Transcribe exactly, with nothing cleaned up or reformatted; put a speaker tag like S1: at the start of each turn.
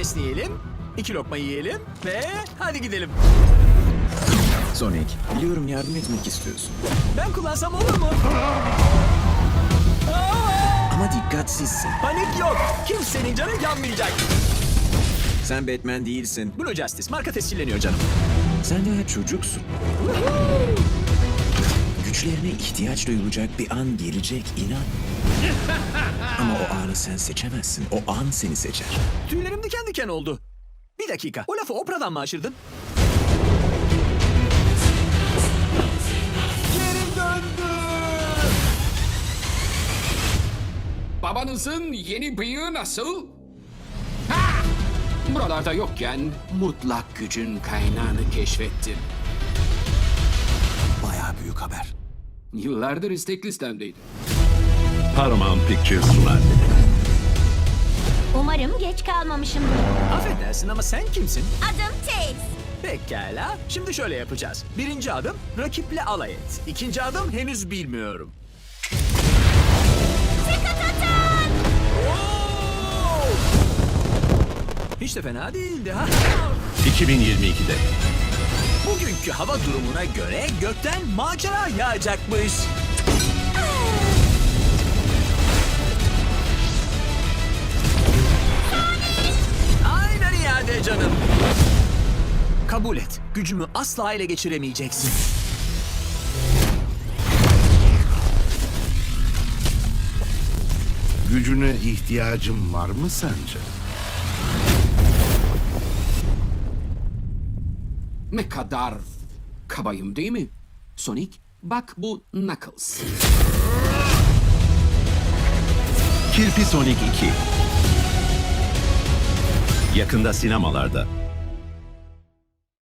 S1: esneyelim, iki lokma yiyelim ve hadi gidelim.
S2: Sonic, biliyorum yardım etmek istiyorsun.
S1: Ben kullansam olur mu?
S2: Ama dikkatsizsin.
S1: Panik yok. Kimsenin canı yanmayacak.
S2: Sen Batman değilsin.
S1: Blue Justice marka tescilleniyor canım.
S2: Sen daha çocuksun. Güçlerine ihtiyaç duyulacak bir an gelecek, inan. Ama o anı sen seçemezsin. O an seni seçer.
S1: Tüylerim diken diken oldu. Bir dakika. O lafı Oprah'dan mı aşırdın? Geri döndü.
S3: Babanızın yeni bıyığı nasıl? Ha! Buralarda yokken mutlak gücün kaynağını keşfettim.
S2: Bayağı büyük haber.
S3: Yıllardır istek listemdeydi.
S4: Paramount Pictures sunar.
S5: Umarım geç kalmamışımdır.
S1: Affedersin ama sen kimsin?
S5: Adım Tails.
S1: Pekala. Şimdi şöyle yapacağız. Birinci adım rakiple alay et. İkinci adım henüz bilmiyorum. Oo! Hiç de fena değildi ha.
S4: iki bin yirmi ikide.
S1: Bugünkü hava durumuna göre gökten macera yağacakmış. Aynen iade canım. Kabul et. Gücümü asla ele geçiremeyeceksin.
S6: Gücüne ihtiyacım var mı sence?
S3: Ne kadar kabayım değil mi? Sonic, bak bu Knuckles.
S4: Kirpi Sonic iki. Yakında sinemalarda.